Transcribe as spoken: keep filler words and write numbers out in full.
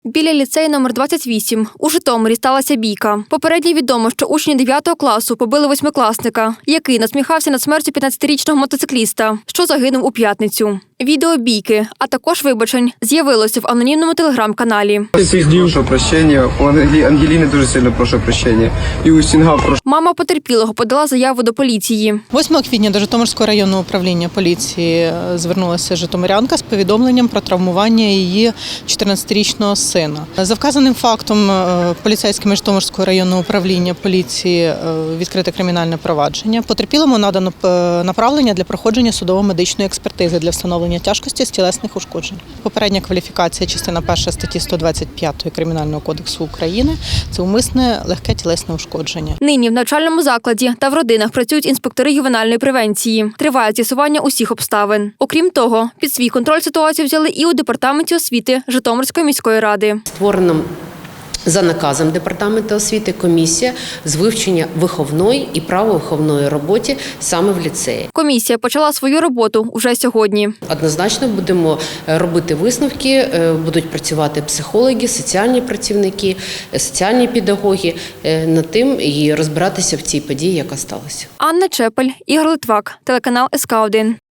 Біля ліцею номер двадцять вісім у Житомирі сталася бійка. Попередньо відомо, що учні дев'ятого класу побили восьмикласника, який насміхався над смертю п'ятнадцятирічного мотоцикліста, що загинув у п'ятницю. Відео бійки, а також вибачень, з'явилося в анонімному телеграм-каналі. Прошу прощення, у Ангеліни дуже сильно прошу прощення. І у Стінга прошу. Мама потерпілого подала заяву до поліції. восьмого квітня до Житомирського районного управління поліції звернулася житомирянка з повідомленням про травмування її чотирнадцятирічного сина. За вказаним фактом поліцейськими Житомирського районного управління поліції відкрите кримінальне провадження. Потерпілому надано направлення для проходження судово-медичної експертизи для встановлення тяжкості з тілесних ушкоджень. Попередня кваліфікація, частина перша статті сто двадцять п'ять Кримінального кодексу України – це умисне легке тілесне ушкодження. Нині в навчальному закладі та в родинах працюють інспектори ювенальної превенції. Триває з'ясування усіх обставин. Окрім того, під свій контроль ситуацію взяли і у департаменті освіти Житомирської міської ради. Створено за наказом Департаменту освіти комісія з вивчення виховної і правовиховної роботи саме в ліцеї. Комісія почала свою роботу уже сьогодні. Однозначно будемо робити висновки, будуть працювати психологи, соціальні працівники, соціальні педагоги над тим і розбиратися в цій події, яка сталася. Анна Чепель, Ігор Литвак, телеканал ес ка один.